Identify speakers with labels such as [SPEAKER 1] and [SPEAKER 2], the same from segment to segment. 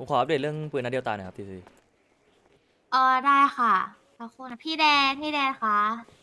[SPEAKER 1] ผมขออัปเดตเรื่องปืนนัดเดียวตายหน่อยครับทีซี
[SPEAKER 2] ได้ค่ะสักครู่นะพี่แดนคะ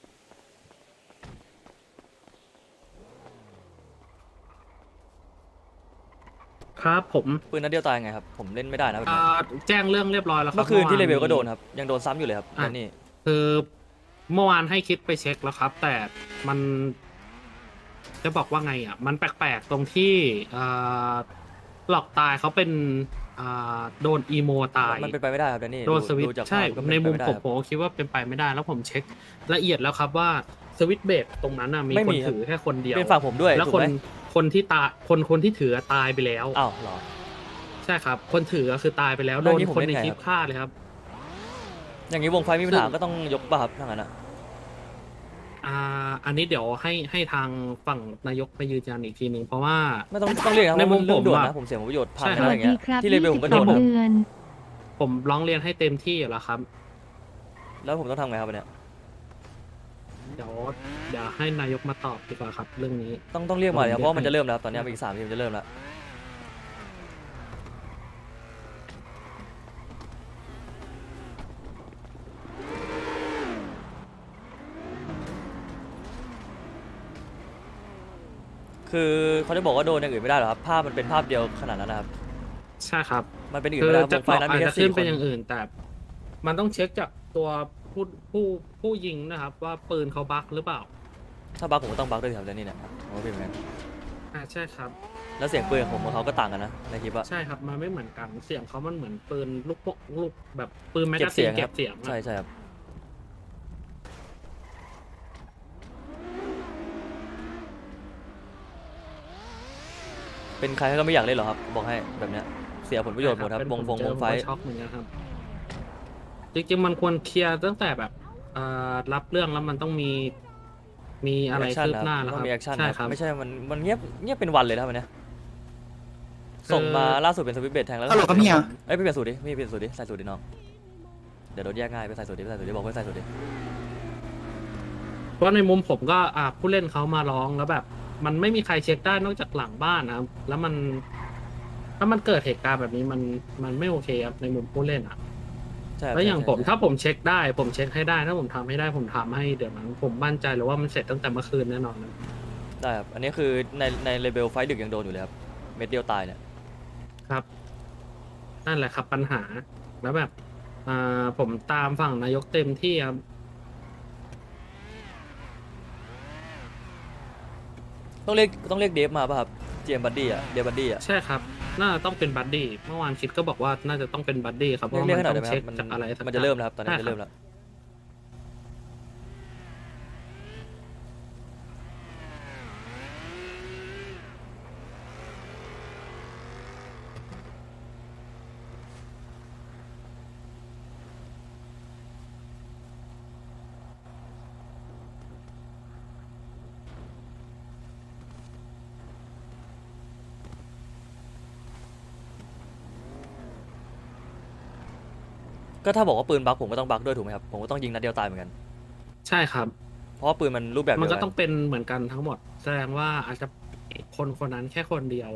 [SPEAKER 3] ครับผม
[SPEAKER 1] ปืนนัดเดียวตายไงครับผมเล่นไม่ได้นะแบบ
[SPEAKER 3] อ่า
[SPEAKER 1] เนี้ย
[SPEAKER 3] แจ้งเรื่องเรียบร้อยแล้วครับ
[SPEAKER 1] เมื่อคืนที่เลเวล
[SPEAKER 3] มี
[SPEAKER 1] ก็โดนครับยังโดนซ้ำอยู่เลยครับ
[SPEAKER 3] อ่ะ
[SPEAKER 1] แล้วนี่
[SPEAKER 3] คือเมื่อวานให้คิดไปเช็คแล้วครับ แต่มันจะบอกว่าไงอ่ะมันแปลกๆตรงที่อ่าหลอกตายเขาเป็นโดนอีโมตาย
[SPEAKER 1] มันเป็นไปไม่ได้ครับแล้วนี่
[SPEAKER 3] โดนสวิต
[SPEAKER 1] ดูจาก
[SPEAKER 3] ใช่
[SPEAKER 1] ภาพก็เป็
[SPEAKER 3] ใน
[SPEAKER 1] นไป
[SPEAKER 3] มุมผม
[SPEAKER 1] ไม่ได้ครับ
[SPEAKER 3] ผมก็คิดว่าเป็นไปไม่ได้แล้วผมเช็คละเอียดแล้วครับว่าสวิตเบรกตรงนั้นน่ะมี
[SPEAKER 1] ไม่
[SPEAKER 3] คน
[SPEAKER 1] มีครับ
[SPEAKER 3] ถือแค่คนเดียว
[SPEAKER 1] เป็นฝั่งผมด้วย
[SPEAKER 3] แล้ว
[SPEAKER 1] ถูกไหม
[SPEAKER 3] คนที่ตายคนที่ถือตายไปแล้ว
[SPEAKER 1] อ้าวเหรอ
[SPEAKER 3] ใช่ครับ คนถือก็คือตายไปแล้ว
[SPEAKER 1] แล้
[SPEAKER 3] โด
[SPEAKER 1] วน อย่างนี้ผม
[SPEAKER 3] คน
[SPEAKER 1] เล่น
[SPEAKER 3] ใน
[SPEAKER 1] ไง
[SPEAKER 3] คลิป
[SPEAKER 1] ครับ
[SPEAKER 3] ฆ่าเลยครับ
[SPEAKER 1] อย่างนี้วงไฟมีปัญหาก็ต้องยกป่ะครับถ้างั้นอ่ะ
[SPEAKER 3] อันนี้เดี๋ยวให้ทางฝั่งนายกไปยืนยันอีกทีหนึ่งเพราะว่า
[SPEAKER 1] ไม่ต้องเรียกนะ
[SPEAKER 3] ใน
[SPEAKER 1] เพราะ
[SPEAKER 3] มุ
[SPEAKER 1] มัน
[SPEAKER 3] ม
[SPEAKER 1] เรื่องด่วน
[SPEAKER 3] ผม
[SPEAKER 1] นะ
[SPEAKER 3] อะ
[SPEAKER 1] ผมเสียผลประโยชน์พัง
[SPEAKER 3] ใช่
[SPEAKER 1] อะไรอย่างเงี้ย
[SPEAKER 4] ครับ
[SPEAKER 1] ที่เลเวลผมก็โดน
[SPEAKER 4] 22
[SPEAKER 1] ครับ
[SPEAKER 4] เดือน
[SPEAKER 3] ผมร้องเรียนให้เต็มที่อยู่แล้วครับ
[SPEAKER 1] แล้วผมต้องทำไงครับวันเนี้ย
[SPEAKER 3] เดี๋ยวให้นายกมาตอบดีกว่าครับ เรื่องนี้
[SPEAKER 1] ต้องเรียกมาเลยครับเพราะว่ามัน
[SPEAKER 3] เรียกให้
[SPEAKER 1] จะเริ่มแล้วครับตอนเนี้ยอีก3 ทีมันจะเริ่มแล้วคือเขาจะบอกว่าโดนอย่างอื่นไม่ได้หรอครับภาพมันเป็นภาพเดียวขนาดนั้นนะครับ
[SPEAKER 3] ใช่ครับ
[SPEAKER 1] มันเป็นอื่น
[SPEAKER 3] คื
[SPEAKER 1] ไม่ได้ครับ
[SPEAKER 3] จะ
[SPEAKER 1] วงไฟนั้น
[SPEAKER 3] อา
[SPEAKER 1] มี
[SPEAKER 3] จ
[SPEAKER 1] แค่
[SPEAKER 3] จะขึ้น
[SPEAKER 1] 4 ค
[SPEAKER 3] เป็น
[SPEAKER 1] น
[SPEAKER 3] อย่างอื่น แต่มันต้องเช็คจากตัวผู้ผู้ผู้ยิงนะครับ ว่าปืนเขาบั๊กหรือเปล่า
[SPEAKER 1] ถ้าบักผมก็ต้องบักด้วยสิครับแล้วนี่เนี่ยผมก็เป็นเหมือนกัน
[SPEAKER 3] ใช่ครับ
[SPEAKER 1] แล้วเสียงปืนของผมกับเขาก็ต่างกันนะในคลิปอะ
[SPEAKER 3] ใช่ครับ มันไม่เหมือนกัน เสียงเขามันเหมือนปืนลูกแบบปืนแมก
[SPEAKER 1] เก็
[SPEAKER 3] กา
[SPEAKER 1] บ
[SPEAKER 3] ซี
[SPEAKER 1] เสีย
[SPEAKER 3] น
[SPEAKER 1] งค
[SPEAKER 3] เก็
[SPEAKER 1] รับบ
[SPEAKER 3] เสียงอะ
[SPEAKER 1] ใช่ใช่ครับเป็นใครก็ไม่อยากเล่นหรอกครับบอกให้แบบเนี้ยเสียผลประโยชน์หมดครับ
[SPEAKER 3] เป็น
[SPEAKER 1] วง
[SPEAKER 3] ผมเจอ
[SPEAKER 1] ไฟ
[SPEAKER 3] ผมก็ช็อกเหมือนกันครับ จริงๆมันควรเคลียร์ตั้งแต่แบบรับเรื่องแล้วมันต้องมีอะไร
[SPEAKER 1] แอคชั่น
[SPEAKER 3] คืบ
[SPEAKER 1] ครับ
[SPEAKER 3] หน้าแล้ว
[SPEAKER 1] ต้
[SPEAKER 3] ค
[SPEAKER 1] อ
[SPEAKER 3] รับ
[SPEAKER 1] งมีแอคชั่น
[SPEAKER 3] ใช่
[SPEAKER 1] ค
[SPEAKER 3] ครั
[SPEAKER 1] รับบ ไม่ใช่มันเงียบเป็นวันเลยนะครับวันเนี้ย
[SPEAKER 3] คือ
[SPEAKER 1] ส่งมาล่าสุดเป็นสวิตช์เบรแทงแล้ว
[SPEAKER 5] ฮัลโหลครับเฮีย
[SPEAKER 1] เอ้ยไปเปลี่ยนสูตรดิไม่เปลี่ยนสูตรดิใส่สูตรดิน้องเดี๋ยวโดนแยกง่ายไปใส่สูตรดิบอกไปใส่สูตรดิ
[SPEAKER 3] เพราะในมุมผมก็ผู้เล่นเขามาร้องแล้วแบบ มันไม่มีใครเช็คได้นอกจากหลังบ้านนะครับ แล้วมันถ้ามันเกิดเหตุการณ์แบบนี้มันไม่โอเคครับในมุมผู้เล่นอ่ะ
[SPEAKER 1] ใช่ครับ
[SPEAKER 3] แล้วอย่าง
[SPEAKER 1] ใช่
[SPEAKER 3] ผม
[SPEAKER 1] ใช่
[SPEAKER 3] ถ้าผมเช็คได้ผมเช็คให้ได้ถ้าผมทำให้ได้ผมทำให้เดี๋ยวนั้นผมมั่นใจเลยว่ามันเสร็จตั้งแต่เมื่อคืนแน่นอนนะ
[SPEAKER 1] ได้ครับอันนี้คือในเลเวลไฟดึกยังโดนอยู่เลยครับเม็ดเดียวตายเนี่ย
[SPEAKER 3] ครับนั่นแหละครับปัญหาแล้วแบบผมตามฝั่งนายกเต็มที่ครับ
[SPEAKER 1] ต้องเรียกเดฟมาป่ะครับเจมบัดดี้อะเดฟบัดดี้อะ
[SPEAKER 3] ใช่ครับน่าจะต้องเป็นบัดดี้เมื่อวานคิดก็บอกว่าน่าจะต้องเป็นบัดดี้ครับเพ
[SPEAKER 1] เรีย
[SPEAKER 3] ราะ
[SPEAKER 1] ก
[SPEAKER 3] ว่า
[SPEAKER 1] ให้
[SPEAKER 3] มัน
[SPEAKER 1] หน่อย
[SPEAKER 3] ต้
[SPEAKER 1] ได้
[SPEAKER 3] อ
[SPEAKER 1] ไหม
[SPEAKER 3] ง
[SPEAKER 1] ค
[SPEAKER 3] เช็
[SPEAKER 1] รับ
[SPEAKER 3] คจากอะไรสัก
[SPEAKER 1] มันจะเริ่มแล้วครับตอนนี้
[SPEAKER 3] ใช่
[SPEAKER 1] จะเริ่มแล้ว ก็ถ้าบอกว่าปืนบักผมก็ต้องบักด้วยถูกไหมครับผมก็ต้องยิงนัดเดียวตายเหมือนกัน
[SPEAKER 3] ใช่ครับ
[SPEAKER 1] เพราะว่าปืนมันรูปแบบ
[SPEAKER 3] มัน
[SPEAKER 1] เดียว
[SPEAKER 3] ก็
[SPEAKER 1] กั
[SPEAKER 3] ต้องเป็นเหมือนกันทั้งหมด แสดงว่าอาจจะคนนั้นแค่คนเดียว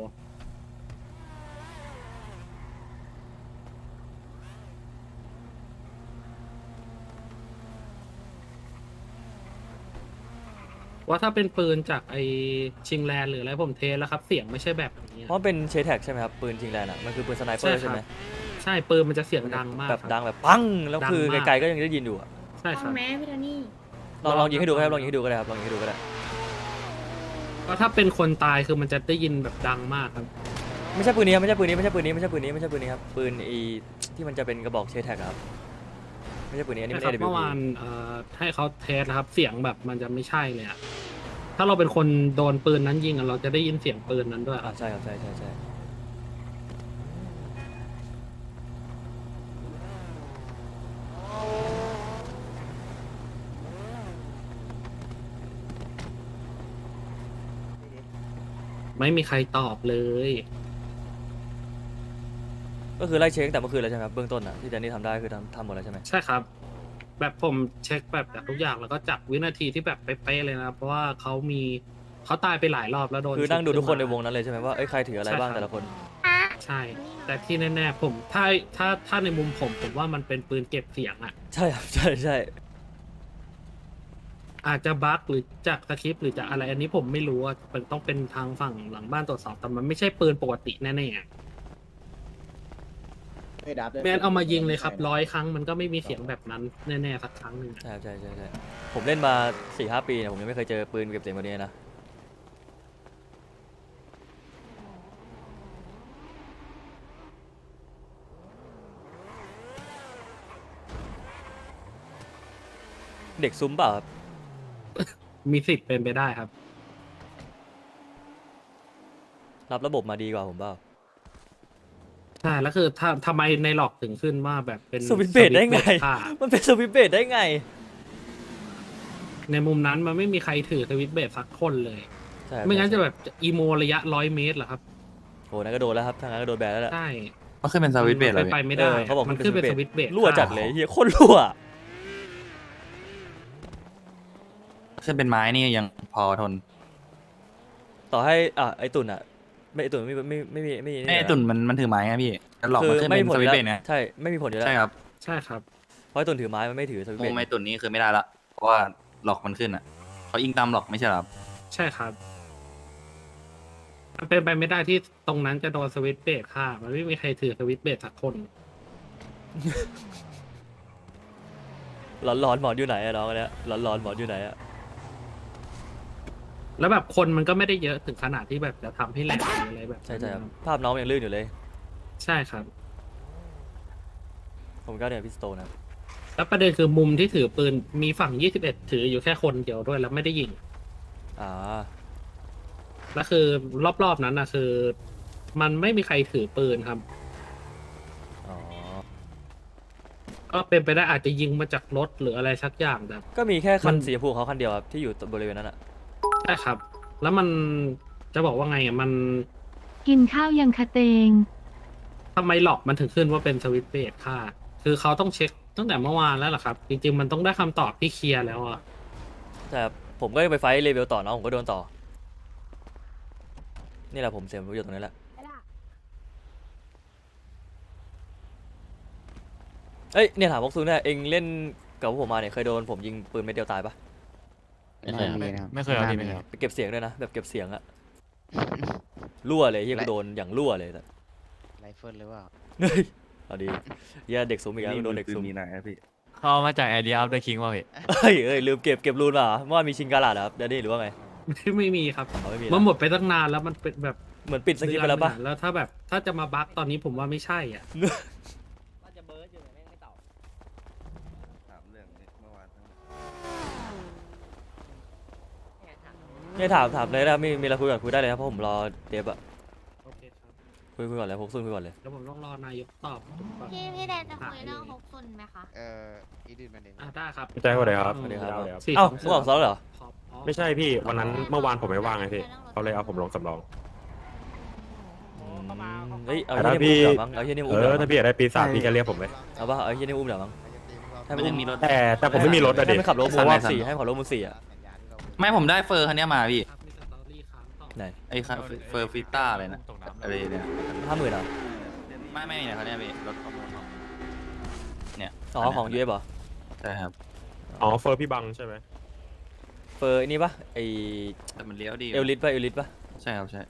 [SPEAKER 3] ว่าถ้าเป็นปืนจากไอชิงแลนด์หรืออะไรผมเทสแล้วครับ เสียงไม่ใช่แบบนี้
[SPEAKER 1] เพราะมันเป็นเชแท็กใช่ไหมครับปืนชิงแลนด์อะมันคือปืนสไนเปอร์
[SPEAKER 3] ใช่
[SPEAKER 1] ใช่
[SPEAKER 3] ค
[SPEAKER 1] ไห
[SPEAKER 3] รั
[SPEAKER 1] ม
[SPEAKER 3] บ ใช่ปืนมันจะเสียงดังมาก
[SPEAKER 1] แบบ
[SPEAKER 3] ครับ
[SPEAKER 1] ดังแบบปังแล้ว
[SPEAKER 3] ดัง
[SPEAKER 1] คือ
[SPEAKER 3] มาก
[SPEAKER 1] ไกลๆก็ยังได้ยินอยู่อะ
[SPEAKER 3] ใช่ครับ
[SPEAKER 2] แม่พี่โทนี่
[SPEAKER 1] ลองยิงให้ดูครับลองยิงให้ดูก็ได้ครับลองยิงให้ดูก็ได้
[SPEAKER 3] ก็ถ้าเป็นคนตายคือมันจะได้ยินแบบดังมากครับ
[SPEAKER 1] ไม่ใช่ปืนนี้ครับไม่ใช่ปืนนี้ไม่ใช่ปืนนี้ไม่ใช่ปืนนี้ไม่ใช่ปืนนี้ครับปืนอีที่มันจะเป็นกระบอกเชแท็กครับไม่ใช่ปืนนี้อันนี้
[SPEAKER 3] นะ
[SPEAKER 1] ไม่
[SPEAKER 3] ครั
[SPEAKER 1] ใช่
[SPEAKER 3] บเมื่อ
[SPEAKER 1] AWP
[SPEAKER 3] วานให้เขาเทสนะครับ เสียงแบบมันจะไม่ใช่เลยอะถ้าเราเป็นคนโดนปืนนั้นยิงอะเราจะได้ยินเสียงปืนนั้นด้วยค
[SPEAKER 1] อ่า
[SPEAKER 3] รับ
[SPEAKER 1] ใช่ครับใช่ใช่ใช่
[SPEAKER 3] ไม่มีใครตอบเลย
[SPEAKER 1] ก็คือไล่เช็คแต่เมื่อคืนแล้วใช่ไหมครับเบื้องต้นอ่ะที่แดนนี่ทำได้คือทำหมดแล้วใช่ไหม
[SPEAKER 3] ใช่ครับ แบบผมเช็คแบบจากทุกอย่างแล้วก็จับวินาทีที่แบบเป๊ะๆเลยนะเพราะว่าเขาตายไปหลายรอบแล้วโดน
[SPEAKER 1] คือนั่งดูทุกคนในวง
[SPEAKER 3] ชุบ
[SPEAKER 1] นั้นเลยใช่ไหมว่าเอ้ยใครถืออะไรบ้างแต่ละคน
[SPEAKER 3] ใช่ แต่ที่แน่ๆผมถ้าในมุมผมว่ามันเป็นปืนเก็บเสียงอ่ะ
[SPEAKER 1] ใช่ครับใช่ใช่
[SPEAKER 3] อาจจะบั๊กหรือจากสคริปต์หรือจากอะไรอันนี้ผมไม่รู้ว่ามันต้องเป็นทางฝั่งหลังบ้านตรวจสอบแต่มันไม่ใช่ปืนปกติแน่ๆอะ
[SPEAKER 4] ไม่ดับด้วย
[SPEAKER 3] แมนเอามายิงเลยครับ100 ครั้งมันก็ไม่มีเสียงแบบนั้นแน่ๆสักครั้งหนึ่งอะ
[SPEAKER 1] ใช่ครับใช่ใช่ใช่ผมเล่นมา 4-5 ปีเนี่ยผมยังไม่เคยเจอปืนเก็บเสียงแบบนี้นะเด็กซุ้มเปล่าครับ
[SPEAKER 3] มีสิทธิ์เป็นไปได้ครับ
[SPEAKER 1] รับระบบมาดีกว่าผมเปล่า
[SPEAKER 3] ใช่แล้วคือทำไมในหลอกถึงขึ้นว่าแบบเป็น
[SPEAKER 1] สวิตช์เบรดได้ไง
[SPEAKER 3] สวิตช์เบรดค่ะ
[SPEAKER 1] มันเป็นสวิตช์เบรดได้ไง
[SPEAKER 3] ในมุมนั้นมันไม่มีใครถือสวิตช์เบรดสักคนเลย
[SPEAKER 1] ใช่ครับ
[SPEAKER 3] ไม่งั้นจะแบบอีโมระยะ100 เมตรเหรอครับ
[SPEAKER 1] โหนั่นก็โดนแล้วครับทางนั้นก็โดนแบนแล้วแหละ
[SPEAKER 3] ใช่
[SPEAKER 5] มันขึ้นเป็นสวิตช์เบรดเหรอ
[SPEAKER 3] ไป
[SPEAKER 5] พี่
[SPEAKER 3] ไม่ได้
[SPEAKER 1] เขาบอก
[SPEAKER 3] มันขึ้นเป็นสวิตช์เบรด
[SPEAKER 1] รั่วจัดเลยเฮียโคตรรั่ว
[SPEAKER 5] ขึ้นเป็นไม้นี่ยังพอทน
[SPEAKER 1] ต่อให้ไอตุ่นไม่ไอตุ่นไม่
[SPEAKER 5] ไอ้ตุ่นมันถือไม้ไงพี่แล้วหลอก
[SPEAKER 1] คื
[SPEAKER 5] มันขึ้น
[SPEAKER 1] ไม่
[SPEAKER 5] เป็น
[SPEAKER 1] มีผ
[SPEAKER 5] ส
[SPEAKER 1] ล
[SPEAKER 5] วิ
[SPEAKER 1] อ
[SPEAKER 5] ต
[SPEAKER 1] ยู่
[SPEAKER 5] ช์
[SPEAKER 1] แล้
[SPEAKER 5] เบรดไง
[SPEAKER 1] วใช่ไม่มีผลอยู่แล้ว
[SPEAKER 5] ใช่ครับ
[SPEAKER 3] ใช่ครับ
[SPEAKER 1] เพราะไอตุ่นถือไม้มันไม่ถือสวิตช์
[SPEAKER 5] มุ
[SPEAKER 1] เบร
[SPEAKER 5] ม
[SPEAKER 1] ด
[SPEAKER 5] ไอ้ตุ่นนี่คือไม่ได้ละเพราะว่าหลอกมันขึ้นอ่ะเขาอิงตามหลอกไม่ใช่เหรอครับ
[SPEAKER 3] ใช่ครับ มันเป็นไปไม่ได้ที่ตรงนั้นจะโดนสวิตช์เบรดค่ะ มันไม่มีใครถือสวิตช์เบรดสักคน
[SPEAKER 1] ร้อนหมอนอยู่ไหนอะน้องอันเนี้ยร้อนหมอนอยู่ไหนอะ
[SPEAKER 3] แล้วแบบคนมันก็ไม่ได้เยอะถึงขนาดที่แบบจะทำให้แหลกหรืออะไรแบบนั้น
[SPEAKER 1] ใช่ครับภาพน้องยังลื่นอยู่เลย
[SPEAKER 3] ใช่ครับ
[SPEAKER 1] ผมก็เนี่ยพิสโตนะครับ
[SPEAKER 3] แล้วประเด็นคือมุมที่ถือปืนมีฝั่ง 21 ถืออยู่แค่คนเดียวด้วยแล้วไม่ได้ยิง
[SPEAKER 1] อ่า
[SPEAKER 3] แล้วคือรอบๆนั้นนะคือ มันไม่มีใครถือปืนครับ
[SPEAKER 1] อ๋อ
[SPEAKER 3] ก็เป็นไปได้อาจจะยิงมาจากรถหรืออะไรสักอย่างแต่
[SPEAKER 1] ก็มีแค่คั
[SPEAKER 3] มัน น
[SPEAKER 1] สีชมพูของเขาคันเดียวครับที่อยู่บริเวณนั้นอะ
[SPEAKER 3] ใช่ครับ แล้วมันจะบอกว่าไงอ่ะมัน
[SPEAKER 6] กินข้าวยังคะเตง
[SPEAKER 3] ทำไมหลอกมันถึงขึ้นว่าเป็นสวิตช์เบรดค่ะ คือเขาต้องเช็คตั้งแต่เมื่อวานแล้วเหรอครับ จริงๆมันต้องได้คำตอบที่เคลียร์แล้วอ่ะ
[SPEAKER 1] ใช่ครับผมก็ไปไฟท์เลเวลต่อน้องผมก็โดนต่อ นี่แหละผมเสียประโยชน์ตรงนี้แหละเอ้ยเนี่ยถามพวกซูเนี่ยเองเล่นกับพวกผมมาเนี่ยเคยโดนผมยิงปืนเม็ดเดียวตายปะ
[SPEAKER 7] ไม่เคยครับ
[SPEAKER 4] ไม่เคยเอาดีไม่เคย
[SPEAKER 1] ไปเก็บเสียงด้วยนะแบบเก็บเสียงอะรั่วเลยเฮียกูโดนอย่างรั่วเลยแต่
[SPEAKER 7] ไรเฟิลหรือเปล่า
[SPEAKER 1] เฮ้ยเอาดีเฮียเด็กซุ่มอีกแล้วโดนเด็กซุ่ม
[SPEAKER 5] มีไหนอะพี่
[SPEAKER 4] เขาเอามาจากไอเดียอัพเดอะคิงว่าพี่
[SPEAKER 1] เอ้ยลืมเก็บรูนมาเหรอเมื่อวานมีชิงกาลาดเหรอครับเดนนี่หรือว่าไง
[SPEAKER 3] ไม่มีครับ
[SPEAKER 1] อ๋อไม่มี
[SPEAKER 3] มัน
[SPEAKER 1] นะ
[SPEAKER 3] หมดไปตั้งนานแล้วมันเป็นแบบ
[SPEAKER 1] เหมือนปิดสกิปไปแล้วปะ
[SPEAKER 3] เดือนหนึ่งแล้วถ้าแบบถ้าจะมาบั๊กตอนนี้ผมว่าไม่ใช่อ่ะ
[SPEAKER 5] ถามเรื่องนี้เมื่อวาน
[SPEAKER 1] เนี่ยถามเลยนะมีอะไรคุยก่อนคุยได้เลยครับเพราะผมรอเดฟอะ
[SPEAKER 3] โอเคครับ
[SPEAKER 1] คุยก่อนเลยพวกซุ่มคุยก่อนเลย
[SPEAKER 3] แล้วผมต้องรอนายกตอบผมก่อน
[SPEAKER 2] พี่แดนจะคุยเรื่องฮกซุนไหมคะ
[SPEAKER 7] อีดินมันเอง
[SPEAKER 3] ได้ครับ
[SPEAKER 8] แจ้งว่าอะไรครับ
[SPEAKER 1] สวัสดีครับ
[SPEAKER 8] ได้ครับ
[SPEAKER 3] สี่
[SPEAKER 1] เอ้า
[SPEAKER 3] สง
[SPEAKER 1] มึงออกซ้อมเหรอ
[SPEAKER 3] ขอบอ๋อ
[SPEAKER 8] ไม่ใช่พี่วันนั้นเมื่อวานผมไม่ว่างไงพี่เขาเลยเอาผมลงสำรอง
[SPEAKER 1] เฮ้ยเอา
[SPEAKER 8] แต่
[SPEAKER 1] เฮีย
[SPEAKER 8] ถ้า
[SPEAKER 1] นี่
[SPEAKER 8] พี่
[SPEAKER 1] อุ้มเดี๋ยวมั้งเอาเฮียนี่
[SPEAKER 8] เอ
[SPEAKER 1] อุ้มเดี๋ยว
[SPEAKER 8] อ
[SPEAKER 1] มั้
[SPEAKER 8] ถ้าง พี่อยากได้ปีศาจพี่ก็เรียกผมเลย
[SPEAKER 1] เอาปะเอาเฮียนี่อุ้มเดี๋ยวมั้งให้
[SPEAKER 5] มันยังมีรถ
[SPEAKER 8] แต่ผมไม่มีรถอะ
[SPEAKER 1] ให้
[SPEAKER 8] ดิ
[SPEAKER 1] มันขับรถมู
[SPEAKER 5] สั่ง
[SPEAKER 1] ว่า
[SPEAKER 5] ไหนสั่ง
[SPEAKER 1] สี่ให้มันขับรถมูสี่อะ
[SPEAKER 5] ไม่ผมได้เฟอร์คันเนี้ยมาพี่
[SPEAKER 3] ครับมีสตอรี่ค้างต่อ
[SPEAKER 1] ไหน
[SPEAKER 5] ไอ้คันเฟอร์ฟิต้าอะไรนะอะไรเนี่ย
[SPEAKER 1] 50,000เหรอ
[SPEAKER 5] ไม่เนี่ยคันเนี้ยพี่รถประมูลของเนี่ย
[SPEAKER 1] อ๋อของยูเอฟเหรอ
[SPEAKER 5] ใช่ครับ
[SPEAKER 8] อ๋อเฟอร์พี่บังใช่ไหม
[SPEAKER 1] เฟอร์ไอ้นี่ปะไอ
[SPEAKER 5] แต่มันเลี้ยวดี
[SPEAKER 1] เอลลิสปะเอลลิสปะ
[SPEAKER 5] ใช่ครับใช่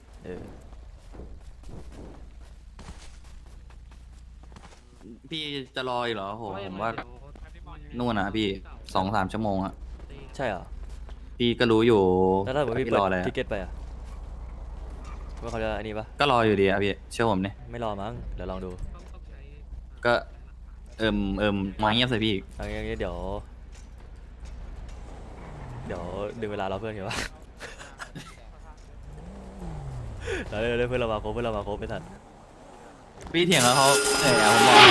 [SPEAKER 5] พี่จะรออีกเหรอโหผมว่านู่นนะพี่2-3 ชั่วโมงอะ
[SPEAKER 1] ใช่เหรอ
[SPEAKER 5] พี่ก็รู้อยู่
[SPEAKER 1] แล้วถ้าสมมติพี่
[SPEAKER 5] พี่
[SPEAKER 1] เปิด
[SPEAKER 5] รออะไรอะ
[SPEAKER 1] ทิเก็ตไปอะว่าเขาจะอันนี้ปะ
[SPEAKER 5] ก็รออยู่ดีอะพี่เชื่อผมเนี่ย
[SPEAKER 1] ไม่รอมั้งเดี๋ยวลองดู
[SPEAKER 5] ก็มาเงียบใส่พี่อีก
[SPEAKER 1] เอางี้เดี๋ยวดึงเวลาเราเพื่อนเห็นปะ เดี๋ยวเพื่อนเรามาครบไม่ทัน
[SPEAKER 5] พี่เถียงแล้วเขาแต่ผมบอก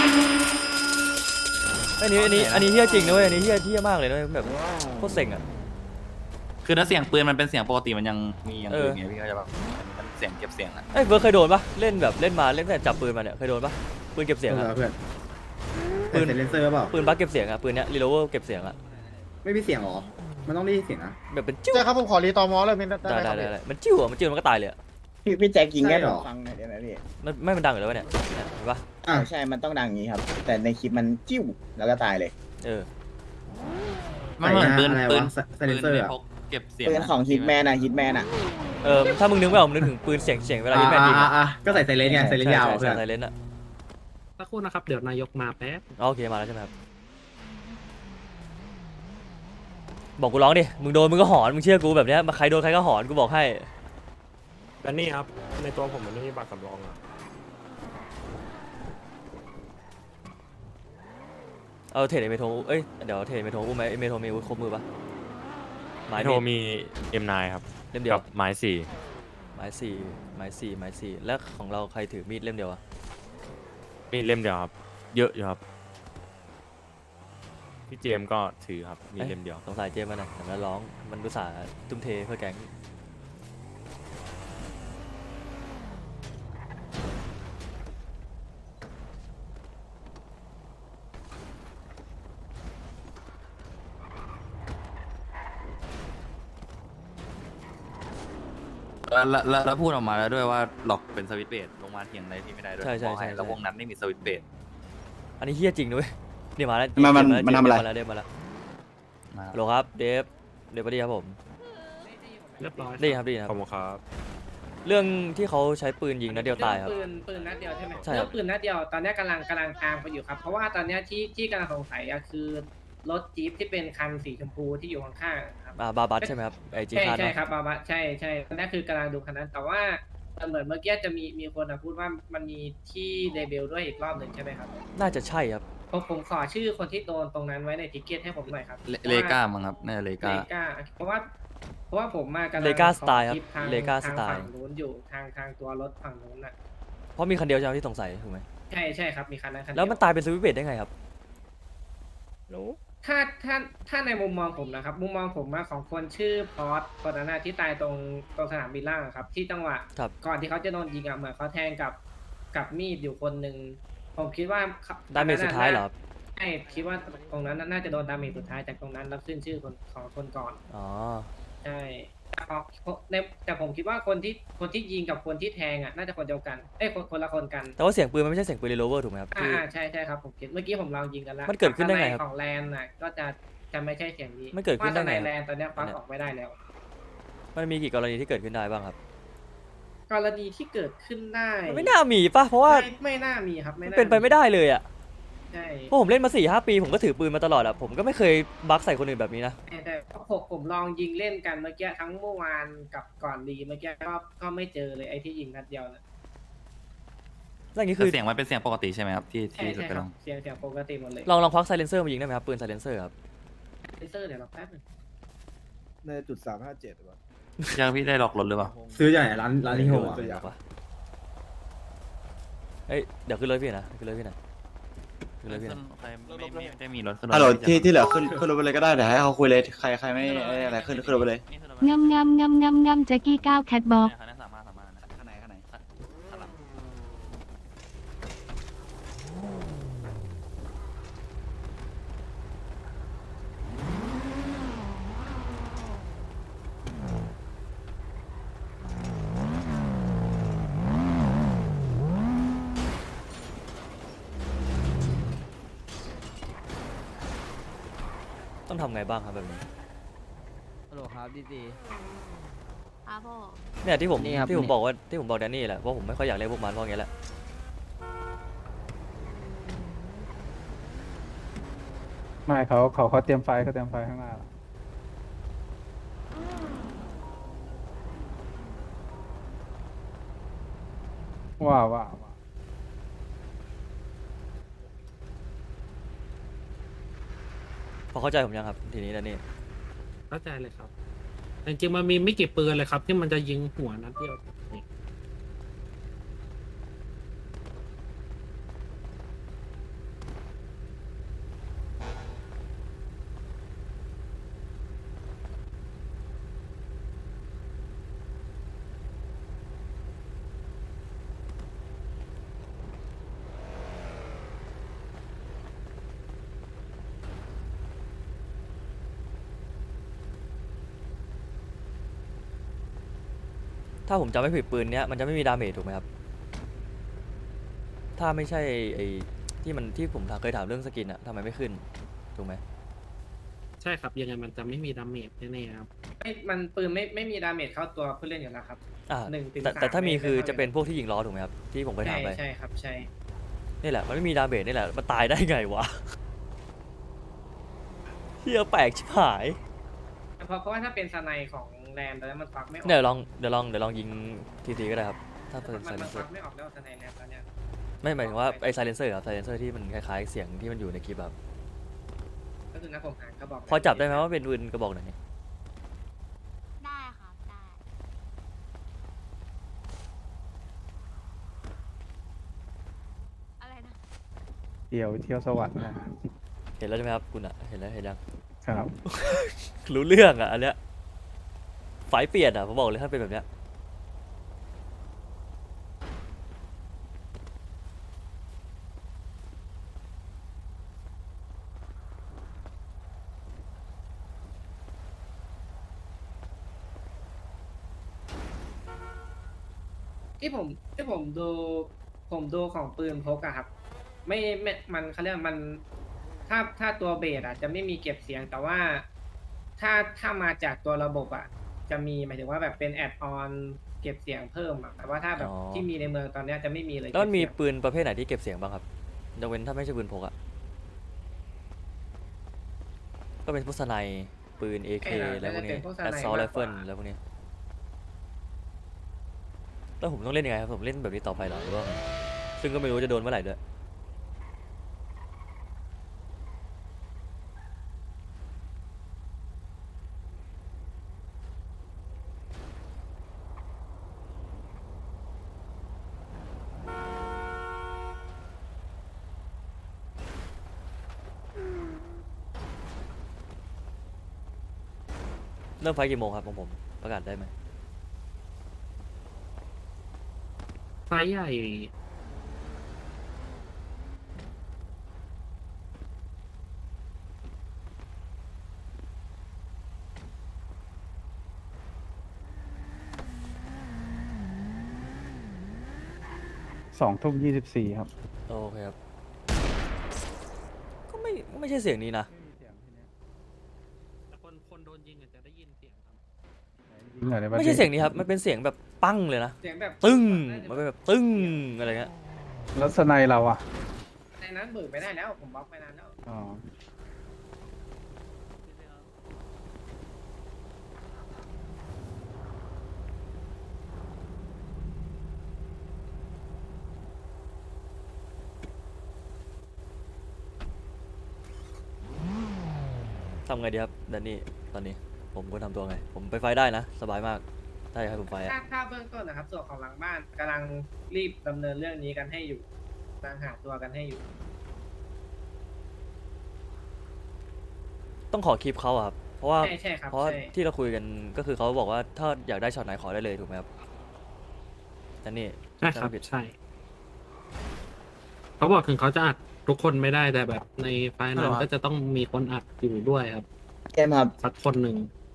[SPEAKER 1] อันนี้เฮี้ยจริงนะเว้ยอันนี้เฮี้ยมากเลยนะแบบโคตรเซ็งอะ
[SPEAKER 5] คือถ้าเสียงปืนมันเป็นเสียงปกติมันยังมีอย่างอื่น
[SPEAKER 1] เออ
[SPEAKER 5] ไงพี่ก็จะแบบมันเสียงเก็บเสียงอะ
[SPEAKER 1] เอ้ยเบิร์ดเคยโดนปะเล่นแต่จับปืนมาเนี่ยเคยโดนปะปืนเก็บเสียงอะ
[SPEAKER 4] เพื่อน
[SPEAKER 1] ปืน
[SPEAKER 4] เซนเซอร์เปล่า
[SPEAKER 1] ปืนบัคเก็บเสียงอะปืนเนี้ยรีโลเวอร์เก็บเสียงอะ
[SPEAKER 4] ไม่มีเสียงหรอ มันต้องได้ยินเสียงนะ
[SPEAKER 1] แบบเป็นจิ้ว
[SPEAKER 9] ใช่ครับผมขอรีตอมอเลยไม่ได้
[SPEAKER 1] ได้
[SPEAKER 9] ครับ
[SPEAKER 1] มันจิ้วอะมันก็ตายเลยอะ
[SPEAKER 9] พี่แจ็คยิงแค่ฟังหน่อยได้ไหมพี่
[SPEAKER 1] ไม่มันดังอยู่แล้ววะเนี่ยเนี่ยเห็นปะ
[SPEAKER 9] ใช่มันต้องดังอย่างนี้ครับ แต่ในคลิปมันจิ้วแล้วก็ตายเลย
[SPEAKER 1] เออ
[SPEAKER 5] มันเหมือนปืน
[SPEAKER 4] อะไร
[SPEAKER 5] ปื
[SPEAKER 4] วะ
[SPEAKER 5] น
[SPEAKER 4] ไซเลนเซอร์
[SPEAKER 5] ใน
[SPEAKER 4] อะ
[SPEAKER 5] พกเก็บเสียง
[SPEAKER 9] ปืนของฮิตแมนฮิตแมน
[SPEAKER 1] ถ้ามึงนึกไม่ออกมึงนึกถึงปืนเสียงเวลาที่แมนยิงอะ
[SPEAKER 4] ก็ใส่ไซเลนไงไซเลนยาวอะ
[SPEAKER 1] ใช่
[SPEAKER 4] เพื่อน
[SPEAKER 1] ใช่ไซเลนอะ
[SPEAKER 3] สักครู่นะครับ เดี๋ยวนายกมาแป๊บ
[SPEAKER 1] โอเคมาแล้วใช่ไหมครับบอกกูร้องดิมึงโดนมึงก็หอนมึงเชื่อกูแบบเนี้ยมาใครโดนใครก็หอนกูบอกให้
[SPEAKER 8] แต่นี่ครับ ในตัวผมมันไม่มีบัตรสำรองอะ
[SPEAKER 1] เอาเทรดเมโทรเอ้ยเดี๋ยวเทรดเมโทรอุ้มไหมเมโทรมีอาวุธครบมือปะไม้
[SPEAKER 8] ไม้โทร
[SPEAKER 1] มีด
[SPEAKER 8] มี M9 ครับ
[SPEAKER 1] เล่มเดียว
[SPEAKER 8] กับไม้สี่
[SPEAKER 1] ไม้สี่แล้วของเราใครถือมีดเล่มเดียวอะ
[SPEAKER 8] มีเล่มเดียวครับ เยอะอยู่ครับ พี่เจมส์ก็ถือครับ มีเล่มเดียว
[SPEAKER 1] สงสัยเจมส์มันนะแต่มันร้องมันรู้สาห์ทุ่มเทเพื่อแก๊ง
[SPEAKER 5] แล้วพูดออกมาแล้วด้วยว่าหลอกเป็นสวิตช์เบสลงมาเถียงอะไรที่ไม่ได้ด้วย
[SPEAKER 1] ใช่
[SPEAKER 5] บอกห้แล้ววงนั้นไม่มีสวิตช์เบส
[SPEAKER 1] อันนี้เฮี้ยจริงด้วยเดี๋ยวมาแล้ว
[SPEAKER 9] มันทำอะไร
[SPEAKER 1] เดฟมาแล้ว
[SPEAKER 5] มา
[SPEAKER 1] ฮัลโหลครับเดฟพอดีครับผม
[SPEAKER 3] เรียบร้อย
[SPEAKER 1] ได้ครับดีค
[SPEAKER 8] ข
[SPEAKER 1] รั
[SPEAKER 8] อ
[SPEAKER 1] บบ
[SPEAKER 8] คุณครับ
[SPEAKER 1] เรื่องที่เขาใช้ปืนยิงนัดเดียวตายครับ
[SPEAKER 10] ปืนนัดเดียวใช่ไหม
[SPEAKER 1] ใช่ครับ
[SPEAKER 10] เรื่องปืนนัดเดียวตอนนี้กำลังตามเขาอยู่ครับ เพราะว่าตอนนี้ที่กำลังสงสัยอะคือรถจี๊ปที่เป็นคันสีชมพูที่อยู่ข้างๆครับ
[SPEAKER 1] บาบัสใช่ไหมครับไอจี
[SPEAKER 10] ใช่
[SPEAKER 1] คาร์ด
[SPEAKER 10] ใช่ครับบาบะใช่ตอนนี้คือกำลังดูคันนั้น แต่ว่าเหมือนเมื่อกี้จะมีคนอะพูดว่ามันมีที่เดบิวด้วยอีกรอบหนึ่งใช่ไหมครับ
[SPEAKER 1] น่าจะใช่ครับ
[SPEAKER 10] ผมขอชื่อคนที่โดนตรงนั้นไว้ในทิกเก็ตให้ผมหน่อยครับ
[SPEAKER 5] เลก้ามั้งครับน่าจะเล
[SPEAKER 10] เล
[SPEAKER 5] ก้า
[SPEAKER 10] ก้าเพราะว่าผมมากำลัง
[SPEAKER 1] เลก้าสไตล์ครับ
[SPEAKER 10] ขอคลิปทาง
[SPEAKER 1] เลก้า
[SPEAKER 10] ทาง
[SPEAKER 1] สไตล์
[SPEAKER 10] ฝั่งนู้นอยู่ทางตัวรถฝั่งนู้นน่ะ
[SPEAKER 1] เพราะมีคันเดียวใช่ไหมที่สงสัยถูกไหม
[SPEAKER 10] ใช่ครับมีคันนั้นคันเดีย
[SPEAKER 1] แล้วมันตายเป็นสวิตช์เบดได้ไงครับรู้
[SPEAKER 10] ถ้าในมุมมองผมนะครับ มุมมองผมว่าของคนชื่อพอสคนนั้นนะที่ตายตรงสนามบินล่างอะครับ ที่จังหวะ
[SPEAKER 1] ครับ
[SPEAKER 10] ก่อนที่เขาจะโดนยิงอะเหมือนเขาแทงกับมีดอยู่คนหนึ่งผมคิดว่า
[SPEAKER 1] ดาเมจสุดท้ายเหรอครับ
[SPEAKER 10] ใช่คิดว่าตรงนั้นน่าจะโดนดาเมจสุดท้ายจากตรงนั้นแล้วขึ้นชื่อของคนก่อน
[SPEAKER 1] อ๋อ
[SPEAKER 10] ใช่แต่ผมคิดว่าคนที่ยิงกับคนที่แทงอ่ะน่าจะคนเดียวกันคนละคนกัน
[SPEAKER 1] แต่ว่าเสียงปืนมันไม่ใช่เสียงปืนรีโลเวอร์ถูกไหมครับที่
[SPEAKER 10] ใช่ครับผมคิดเมื่อกี้ผมลองยิงกันแล้ว
[SPEAKER 1] มันเกิดขึ้นได้ไงครับ
[SPEAKER 10] ของแลนน่ะก็จะไม่ใช่เสียงนี้
[SPEAKER 1] มันเกิดขึ้นได้ไง
[SPEAKER 10] ว่าแต่ในแลนตอนเนี้ยฟักออกไม่ได้แล้ว
[SPEAKER 1] มันมีกี่กรณีที่เกิดขึ้นได้บ้างครับ
[SPEAKER 10] กรณีที่เกิดขึ้นได้
[SPEAKER 1] มันไม่น่ามีป่ะเพราะว่า
[SPEAKER 10] ไม่น่ามีครับ
[SPEAKER 1] มัน
[SPEAKER 10] น่า
[SPEAKER 1] เป็นไปไม่ได้เลยอ่ะ
[SPEAKER 10] ใช่
[SPEAKER 1] เพราะผมเล่นมา 4-5 ปีผมก็ถือปืนมาตลอดอ่ะผมก็ไม่เคยบักใส่คนอื่นแบบนี้นะ
[SPEAKER 10] แต่ผมลองยิงเล่นกันเมื่อกี้ทั้งเมื่อวานกับก่อนดีเมื่อกี้ก็ไม่เจอเลยไอ้ที่ยิงนัดเดียวนะ
[SPEAKER 1] แล้วอย่างนี้
[SPEAKER 5] คื
[SPEAKER 1] คือ อ
[SPEAKER 5] เสียงมันเป็นเสียงปกติใช่ไหมครับที่
[SPEAKER 10] ใช่
[SPEAKER 5] จะไป
[SPEAKER 10] ค
[SPEAKER 5] ล
[SPEAKER 10] รั
[SPEAKER 5] อบ ง
[SPEAKER 10] เสียงปกติหมดเลย
[SPEAKER 1] ลองควักไซเลนเซอร์มายิงได้ไหมครับปืนไซเลนเซอร์ครับ
[SPEAKER 10] เลเซอร์เดี๋ยวเราแป๊บนึง
[SPEAKER 9] ในจุด357
[SPEAKER 5] ยังพี่ได้หลอกรถหรือเปล่า
[SPEAKER 4] ซื้อจากไหนร้านที่โฮมอะ
[SPEAKER 1] ไม่รู้เอ้ยเดี๋ยวขึ้นรถพี่นะขึ้นรถพี่นะขึ้นรถพี่นะ
[SPEAKER 5] ใครไม่ได้มีรถขึ้นรถ
[SPEAKER 9] ฮัลโหลที่เหลือขึ้นรถไปเลยก็ได้เดี๋ยวให้เขาคุยเลยใครไม่อะไรขึ้นรถไปเลย
[SPEAKER 6] งำงำงำงำงำแจ็กกี้ก้าวแคทบ็อก
[SPEAKER 5] คันนั้นสามารถนะ
[SPEAKER 9] ข้างไหน
[SPEAKER 5] ข้างหลัง
[SPEAKER 1] ต้องทำไงบ้างครับแบบนี้
[SPEAKER 7] ฮัลโหลครับดี
[SPEAKER 2] ครับพ่อ
[SPEAKER 1] เนี่ยที่ผม
[SPEAKER 7] นี่ครับ
[SPEAKER 1] ที่ผมบอกว่าที่ผมบอกแดนนี่แหละว่าผมไม่ค่อยอยากเล่นพวกมันเพราะอย่างเงี้ยแหละ
[SPEAKER 11] ไม่เขาเตรียมไฟข้างหน้าว่า
[SPEAKER 1] พอเข้าใจผมยังครับทีนี้แดนนี่
[SPEAKER 3] เข้าใจเลยครับแต่จริงๆมันมีไม่กี่ปืนเลยครับ ที่มันจะยิงหัวนัดเดียวนี่
[SPEAKER 1] ถ้าผมจำไม่ผิดปืนเนี้ยมันจะไม่มีดาเมจถูกไหมครับถ้าไม่ใช่ไอ้ที่ผมเคยถามเรื่องสกินอะทำไมไม่ขึ้นถูกไหม
[SPEAKER 3] ใช่ครับยังไงมันจะไม่มีดาเมจแน่ๆครับ
[SPEAKER 10] มันปืนไม่มีดาเมจเข้าตัวผู้เล่นอยู่แล้วครับ
[SPEAKER 1] อ่า
[SPEAKER 10] 1 ถึง
[SPEAKER 1] แต่
[SPEAKER 10] 3
[SPEAKER 1] ถ้ามี
[SPEAKER 10] ไม่
[SPEAKER 1] คือ
[SPEAKER 10] ไม่
[SPEAKER 1] จะเป็นพวกที่ยิงล้อถูกไหมครับที่ผมเคยถามไป
[SPEAKER 10] ใช่ครับใช่
[SPEAKER 1] นี่แหละมันไม่มีดาเมจนี่แหละมันตายได้ไงวะเฮียแปลกชิบหาย
[SPEAKER 10] เพราะว่าถ้าเป็นสไนของแรมตอนนั้นมันควักไม่ออก
[SPEAKER 1] เดี๋ยวลองยิงทีก็ได้ครับถ้าเป็นไซเล
[SPEAKER 10] มัน
[SPEAKER 1] นเซ
[SPEAKER 10] ค
[SPEAKER 1] อ
[SPEAKER 10] วัก
[SPEAKER 1] ร์
[SPEAKER 10] ไม่ออกแล้วสไนแรมตอนเนี้ย
[SPEAKER 1] ไม่หมายถึงว่าไอไซเลนเซอร์ครับไซเลนเซอร์ที่มันคล้ายๆเสียงที่มันอยู่ในคลิปครับ
[SPEAKER 10] ก็คือนะผมหากระบอก
[SPEAKER 1] พอจับได้ไหมว่าเป็นปืนกระบอกไหน
[SPEAKER 2] ได้ครับได้อะไรนะ
[SPEAKER 11] เที่ยวสวรรค์นะ
[SPEAKER 1] เห็นแล้วใช่ไหมครับคุณอะเห็นแล้วเห็นยัง
[SPEAKER 11] ครับ
[SPEAKER 1] รู้เรื่องอะอันเนี้ยไฟเปลี่ยนอะผมบอกเลยถ้าเป็นแบบเนี้ย
[SPEAKER 10] ที่ผมดูของปืนพกอะครับ ไม่มันเขาเรียกมันถ้าตัวเบสอะจะไม่มีเก็บเสียง แต่ว่าถ้ามาจากตัวระบบอะจะมีหมายถึงว่าแบบเป็นแอดออนเก็บเสียงเพิ่มอะแต่ว่าถ้าแบบที่มีในเมืองตอนเนี้ยจะไม่มีเลย
[SPEAKER 1] แล้วมันมี
[SPEAKER 10] เก็บเสียง
[SPEAKER 1] ปืนประเภทไหนที่เก็บเสียงบ้างครับยกเว้นถ้าไม่ใช่ปืนพกอะก็เป็นพวกสไนปืน AK แล้วพวกนี้แอสซอลไรเฟิลแล้วพวกนี้แล้วผมต้องเล่นยังไงครับผมเล่นแบบนี้ต่อไปเหรอหรือว่าไงซึ่งก็ไม่รู้จะโดนเมื่อไหร่ด้วย เริ่มไฟกี่โมงครับของผมประกาศได้ไหม
[SPEAKER 3] ไฟล์ใหญ่
[SPEAKER 11] 2 ทุ่ม 24ครับ
[SPEAKER 1] โอเคครับก็ไม่ใช่เสียงนี้นะ
[SPEAKER 3] แต่คนโดนยิงอาจจะได้ยินเสียงครับ
[SPEAKER 11] ยิงหน่อยได้ปะ
[SPEAKER 1] ไม่ใช่เสียงนี้ครับมันเป็นเสียงแบบปั้งเลยนะ
[SPEAKER 10] เสียงแบบ
[SPEAKER 1] ตึ้งมันเป็นแบบตึ้งอะไรเงี้ย
[SPEAKER 11] แล้วสไนเราอ่ะ
[SPEAKER 10] ในนั้นเบิกไม่ได้แล้วผมบล็อกไปนานแล้ว
[SPEAKER 11] อ๋อ
[SPEAKER 1] ทำไงดีครับแดนนี่ตอนนี้ผมควรทำตัวไงผมไปไฟได้นะสบายมากถ้าอยากให้ผมไฟอะ
[SPEAKER 10] ถ้าเบื้องต้นนะครับส่วนของหลังบ้านกำลังรีบดำเนินเรื่องนี้กันให้อยู่กำลังหาตัวกันให้อยู่
[SPEAKER 1] ต้องขอคลิปเขาอะครับเพราะว่า
[SPEAKER 10] ใช่ครับ
[SPEAKER 1] เพราะว่า
[SPEAKER 10] ใช่
[SPEAKER 1] ที่เราคุยกันก็คือเขาบอกว่าถ้าอยากได้ช็อตไหนขอได้เลยถูกไหมครับแดนนี่
[SPEAKER 3] ใช่ครับ
[SPEAKER 1] จำไม่ผิด
[SPEAKER 3] ใช่เขาบอกถึงเขาจะอัดทุกคนไม่ได้แต่แบบในไฟล์นั้นก็จะต้องมีคนอัดอยู่ด้วยครับ
[SPEAKER 9] เกมครับ
[SPEAKER 3] สักคนหนึ่ง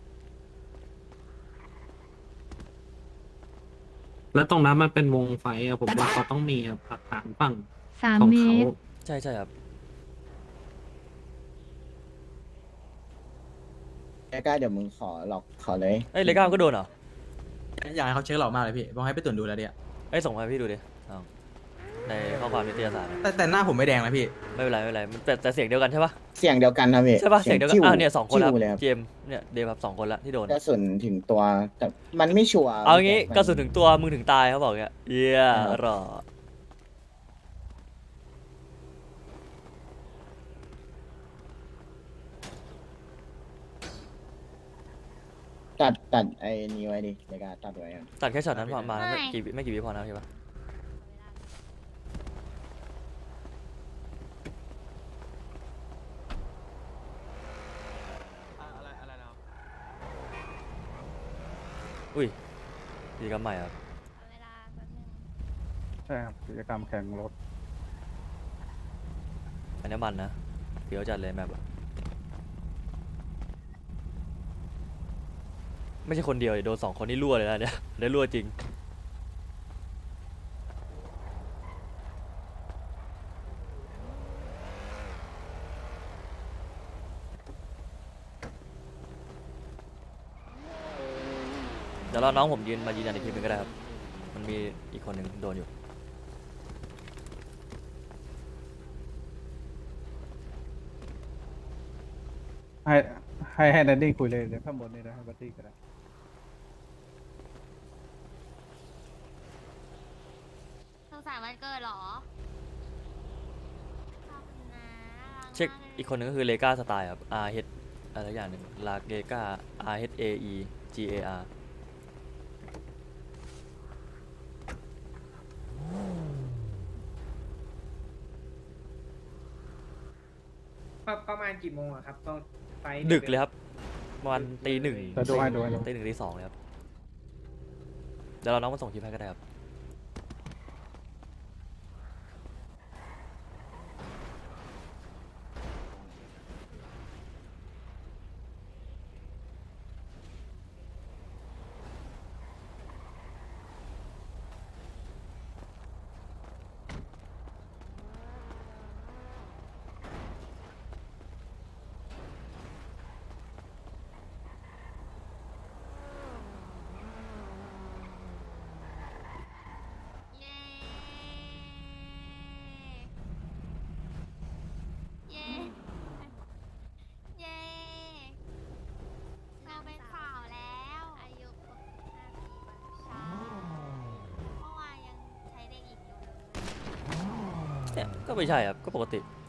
[SPEAKER 3] แล้วตรงนั้นมันเป็นวงไฟอะผมว่าเขาต้องมีครับหลักฐานฝั่งของ
[SPEAKER 6] 3 เม
[SPEAKER 3] เขา
[SPEAKER 6] ตร
[SPEAKER 1] ใช่ครับ
[SPEAKER 9] ใกล้ๆเดี๋ยวมึงขอเลย
[SPEAKER 1] เอ้ยเลก้าก็โดนเหรอ
[SPEAKER 4] อยากให้เขาเช็คหลอกมากเลยพี่บอกให้ไปตรวจดูแล้วเนี่ย
[SPEAKER 1] เอ้ยส่งมาให้พี่ดูดิเอาในข้อความนิตยสารอะ
[SPEAKER 4] แต่หน้าผมไม่แดงนะพี่
[SPEAKER 1] ไม่เป็นไรมันแต่เสียงเดียวกันใช่ปะ
[SPEAKER 9] เสียงเดียวกันครับพี่
[SPEAKER 1] ใช่ปะเสียงเดียวกันเนี่ยสองคนแล้ว
[SPEAKER 9] จิ้วเลยครับ
[SPEAKER 1] เจมส์เนี่ยเดฟครับ2 คนละที่โดน
[SPEAKER 9] กระสุนถึงตัวแต่มันไม่ชัวร์
[SPEAKER 1] เอางี้กระสุนถึงตัวมึงถึงตายเขาบอกเงี้ยเยี่ยหรอ
[SPEAKER 9] ตัดไอ้นี้ไว้ดิในการตัดไว้อะ
[SPEAKER 1] ตัดแค่ช็อตนั้นพอมาไม่กี่วิพอนะใช่ปะอุ้ยกิจกรรมใหม่ครับ
[SPEAKER 2] เวลาแป๊บนึง
[SPEAKER 11] ใช่ครับกิจกรรมแข่งรถ
[SPEAKER 1] อันนี้มันนะเฟี้ยวจัดเลยแมปอะไม่ใช่คนเดียวดิโดน2 คนนี่รั่วเลยนะเนี่ย ได้รั่วจริง เดี๋ยวรอน้องผมยืนยันอีกทีนึงก็ได้ครับ มันมีอีกคนหนึ่งโดนอยู่
[SPEAKER 11] ให้แดนดี้คุยเลยเดี๋ยวข้างบนนี่นะให้บัตตี้ก็ได้
[SPEAKER 2] สุขสันต์วันเกิดเหรอขอบคุณนะรัก
[SPEAKER 1] เช็ค
[SPEAKER 2] มากลย
[SPEAKER 1] อีกคนหนึ่งก็คือเลกาสไตล์ครับ R H อะไรอย่างหนึ่งลาเกกา R H A E G A R
[SPEAKER 10] ประมาณกี่โมงอะครับต้องไป
[SPEAKER 1] ดึกเลยครับประมาณตี 1
[SPEAKER 11] แต่ดูให้ดู
[SPEAKER 1] ตี 1 ตี 2เลยครับ เดี๋ยวเราน้องมาส่งคลิปให้ก็ได้ครับ
[SPEAKER 2] เย้ เย้ เย้ เราเป็นสาวแล้ว อายุครบ15 ปีวันใช่เมื่อวานยังใช้เด็กหญิงอยู่เลย
[SPEAKER 1] เนี่ยก็ไม่ใช่ครับ ก็ปกติ
[SPEAKER 2] เ